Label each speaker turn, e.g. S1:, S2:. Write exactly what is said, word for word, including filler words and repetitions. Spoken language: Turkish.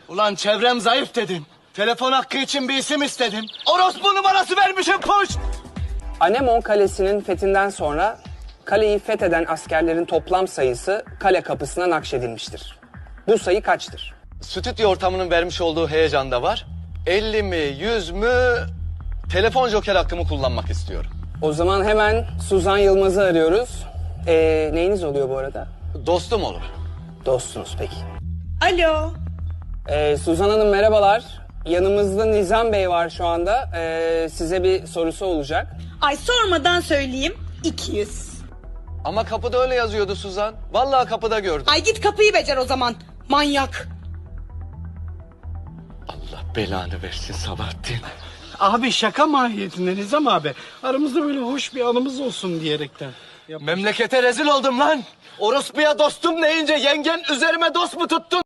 S1: Ulan çevrem zayıf dedin. Telefon hakkı için bir isim istedin. Orospu numarası vermişim puş.
S2: Anemon Kalesi'nin fethinden sonra kaleyi fetheden askerlerin toplam sayısı kale kapısına nakşedilmiştir. Bu sayı kaçtır?
S3: Stüdyo ortamının vermiş olduğu heyecan da var. elli mi, yüz mü? Telefon joker hakkımı kullanmak istiyorum.
S2: O zaman hemen Suzan Yılmaz'ı arıyoruz. Ee, neyiniz oluyor bu arada?
S3: Dostum olur.
S2: Dostunuz peki.
S4: Alo.
S2: Ee, Suzan Hanım merhabalar. Yanımızda Nizam Bey var şu anda. Ee, size bir sorusu olacak.
S4: Ay sormadan söyleyeyim. iki yüz.
S3: Ama kapıda öyle yazıyordu Suzan. Vallahi kapıda gördüm.
S4: Ay git kapıyı becer o zaman. Manyak.
S3: Allah belanı versin Sabahattin.
S5: Abi şaka mahiyetinde Nizam abi. Aramızda böyle hoş bir anımız olsun diyerekten. Yap-
S3: Memlekete rezil oldum lan. Orospuya dostum deyince yengen üzerime dost mu tuttun?